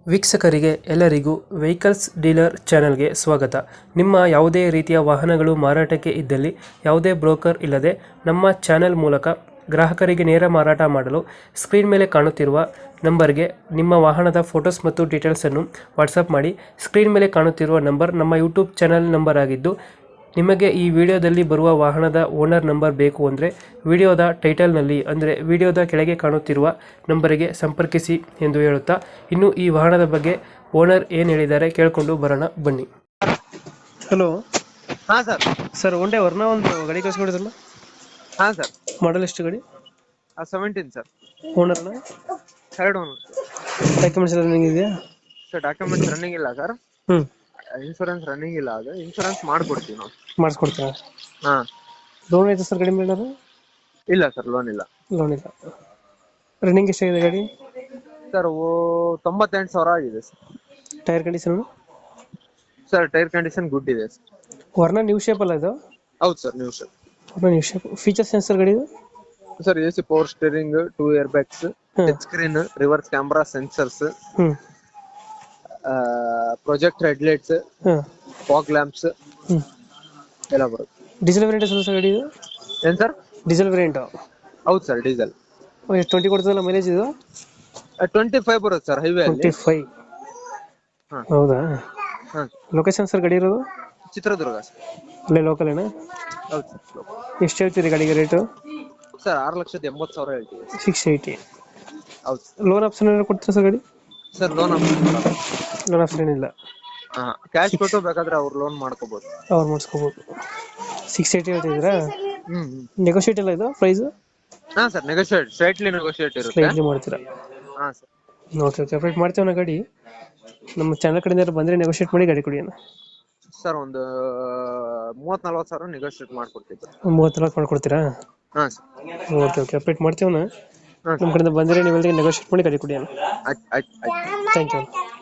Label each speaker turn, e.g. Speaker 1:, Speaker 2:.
Speaker 1: ವೀಕ್ಷಕರಿಗೆ ಎಲ್ಲರಿಗೂ vehicles dealer ಚಾನೆಲ್ಗೆ ಸ್ವಾಗತ. ನಿಮ್ಮ ಯಾವುದೇ ರೀತಿಯ ವಾಹನಗಳು ಮಾರಾಟಕ್ಕೆ ಇದ್ದಲ್ಲಿ ಯಾವುದೇ ಬ್ರೋಕರ್ ಇಲ್ಲದೆ ನಮ್ಮ ಚಾನೆಲ್ ಮೂಲಕ ಗ್ರಾಹಕರಿಗೆ ನೇರ ಮಾರಾಟ ಮಾಡಲು ಸ್ಕ್ರೀನ್ ಮೇಲೆ ಕಾಣುತ್ತಿರುವ ನಂಬರ್ಗೆ ನಿಮ್ಮ ವಾಹನದ ಫೋಟೋಸ್ ಮತ್ತು ಡೀಟೇಲ್ಸನ್ನು ವಾಟ್ಸಪ್ ಮಾಡಿ. ಸ್ಕ್ರೀನ್ ಮೇಲೆ ಕಾಣುತ್ತಿರುವ ನಂಬರ್ ನಮ್ಮ ಯೂಟ್ಯೂಬ್ ಚಾನೆಲ್ ನಂಬರ್ ಆಗಿದ್ದು, ನಿಮಗೆ ಈ ವಿಡಿಯೋದಲ್ಲಿ ಬರುವ ವಾಹನದ ಓನರ್ ನಂಬರ್ ಬೇಕು ಅಂದರೆ ವಿಡಿಯೋದ ಟೈಟಲ್ನಲ್ಲಿ ಅಂದರೆ ವಿಡಿಯೋದ ಕೆಳಗೆ ಕಾಣುತ್ತಿರುವ ನಂಬರಿಗೆ ಸಂಪರ್ಕಿಸಿ ಎಂದು ಹೇಳುತ್ತಾ, ಇನ್ನು ಈ ವಾಹನದ ಬಗ್ಗೆ ಓನರ್ ಏನು ಹೇಳಿದ್ದಾರೆ ಕೇಳಿಕೊಂಡು ಬರೋಣ ಬನ್ನಿ. ಹಲೋ.
Speaker 2: ಹಾ ಸರ್.
Speaker 1: ಸರ್ ಒಂದೇ ವರ್ಣ ಒಂದು ಗಾಡಿ ಕಳಿಸ್ಕೊಡಿದ್ರಲ್ಲ,
Speaker 2: ಹಾ ಸರ್.
Speaker 1: ಮಾಡಲ್ ಎಷ್ಟು ಗಾಡಿ?
Speaker 2: 17 ಸರ್.
Speaker 1: ಓನರ್ನ
Speaker 2: ಥರ್ಡ್ ಓನರ್.
Speaker 1: ಡಾಕ್ಯುಮೆಂಟ್ಸ್ ಎಲ್ಲ ರನ್ನಿಂಗ್ ಇದೆಯಾ?
Speaker 2: ಸರ್ ಡಾಕ್ಯುಮೆಂಟ್ಸ್ ರನ್ನಿಂಗ್ ಇಲ್ಲ ಸರ್.
Speaker 1: ಹ್ಞೂ.
Speaker 2: ಇನ್ಶೂರೆನ್ಸ್ ರನ್ನಿಂಗ್ ಇಲ್ಲ, ಅದು ಇನ್ಶೂರೆನ್ಸ್ ಮಾಡ್ಕೊಡ್ತೀವಿ ನಾವು.
Speaker 1: ಮಾಡಿಸ್ಕೊಡ್ತೀರಾ?
Speaker 2: ಹಾ.
Speaker 1: ಲೋನ್ ಐತೆ ಸರ್ ಗಾಡಿ ಮೇಲೆ?
Speaker 2: ಇಲ್ಲ ಸರ್, ಲೋನ್ ಇಲ್ಲ.
Speaker 1: ಲೋನ್ ಇಲ್ಲ. ರನ್ನಿಂಗ್ ಎಷ್ಟಾಗಿದೆ ಗಾಡಿ?
Speaker 2: ಸರ್ 98,000 ಆಗಿದೆ sir.
Speaker 1: Tyre condition?
Speaker 2: Sir tyre condition good ಇದೆ ಸರ್.
Speaker 1: ವರ್ಣ ನ್ಯೂ ಶೇಪ್ ಅಲ್ಲ ಇದು?
Speaker 2: ಹೌದು sir, new sir.
Speaker 1: Verna new shape. Features ಏನು ಸರ್ ಗಾಡಿದು?
Speaker 2: Sir AC power steering, 2 air bags, touch screen, reverse camera, sensors,
Speaker 1: ಹ್ಞೂ,
Speaker 2: project headlights,
Speaker 1: ಹಾಂ,
Speaker 2: fog lamps
Speaker 1: ಹ್ಞೂ,
Speaker 2: ಎಲ್ಲ ಬರುತ್ತೆ.
Speaker 1: ಡೀಸೆಲ್ ವೇರಿಯಂಟ್ ಸರ್ ಗಾಡಿ ಇದು?
Speaker 2: ಏನ್ ಸರ್?
Speaker 1: Diesel variant?
Speaker 2: ಹೌದು ಸರ್, ಡೀಸೆಲ್.
Speaker 1: ಎಷ್ಟು 20 ಕೊಡ್ತದಲ್ಲ ಮೈಲೇಜ್ ಇದು?
Speaker 2: 25 ಬರುತ್ತೆ ಸರ್ ಹೈವೇ ಅಲ್ಲಿ.
Speaker 1: 25?
Speaker 2: ಹಾ.
Speaker 1: ಹೌದಾ?
Speaker 2: ಹಾ.
Speaker 1: ಲೊಕೇಶನ್ ಸರ್ ಗಾಡಿ ಇರೋದು?
Speaker 2: ಚಿತ್ರದುರ್ಗ ಸರ್.
Speaker 1: ಅಲ್ಲೇ ಲೋಕಲ್ ಏನಾ?
Speaker 2: ಹೌದು ಸರ್.
Speaker 1: ಎಷ್ಟು ಹೇಳ್ತೀರಿ ಗಾಡಿಗೆ ರೇಟು?
Speaker 2: ಸರ್ 6,80,000 ಹೇಳ್ತೀವಿ.
Speaker 1: 680?
Speaker 2: ಹೌದು.
Speaker 1: ಲೋನ್ ಆಪ್ಷನ್ ಏನಾದ್ರು ಕೊಡ್ತೀರಾ ಸರ್ ಗಾಡಿ?
Speaker 2: ಸರ್ ಲೋನ್
Speaker 1: ಲೋನ್ ಆಪ್ಷನ್ ಏನಿಲ್ಲ?
Speaker 2: ಕ್ಯಾಶ್ ಕೊಟ್ಟು ಬೇಕಾದ್ರೆ ಅವ್ರು ಲೋನ್ ಮಾಡ್ಕೋಬಹುದು.
Speaker 1: ಅವ್ರು ಮಾಡಿಸ್ಕೋಬೋದು. 680 ಹೇಳ್ತಿದ್ದೀರಾ?
Speaker 2: ಹ್ಮ್.
Speaker 1: ನೆಗೋಷಿಯೇಟ್ ಇಲ್ಲ ಇದು ಪ್ರೈಸ್?
Speaker 2: ಹಾ ಸರ್, ನೆಗೋಷಿಯೇಟ್, ಸ್ಲೈಟ್ಲಿ ನೆಗೋಷಿಯೇಟ್ ಇರುತ್ತೆ.
Speaker 1: ಸ್ಲೈಟ್ಲಿ ಮಾಡ್ತೀರಾ?
Speaker 2: ಹಾ ಸರ್.
Speaker 1: ಓಕೆ ಓಕೆ, ಅಪ್ಡೇಟ್ ಮಾಡ್ತೀವಿ ಗಾಡಿ. ನಮ್ಮ ಚಾನಲ್ ಕಡೆಯಿಂದ ಬಂದರೆ ನೆಗೋಷಿಯೇಟ್ ಮಾಡಿ ಗಾಡಿ ಕೊಡಿ ಅಣ್ಣ.
Speaker 2: ಸರ್ ಒಂದು 30,40 ಸಾವಿರ ನೆಗೋಷಿಯೇಟ್ ಮಾಡ್ಕೊಡ್ತೀವಿ.
Speaker 1: 30 ಮಾಡ್ಕೊಡ್ತೀರಾ?
Speaker 2: ಹಾ ಸರ್.
Speaker 1: ಓಕೆ ಓಕೆ, ಅಪ್ಡೇಟ್ ಮಾಡ್ತೀವಣ್ಣ.
Speaker 2: ಹಾ
Speaker 1: ನಮ್ಮ ಕಡೆಯಿಂದ ಬಂದರೆ ನೀವು ನೆಗೋಷಿಯೇಟ್ ಮಾಡಿ ಗಾಡಿ ಕೊಡಿ ಅಣ್ಣ.
Speaker 2: ಆಯ್ತು.
Speaker 1: Thank you.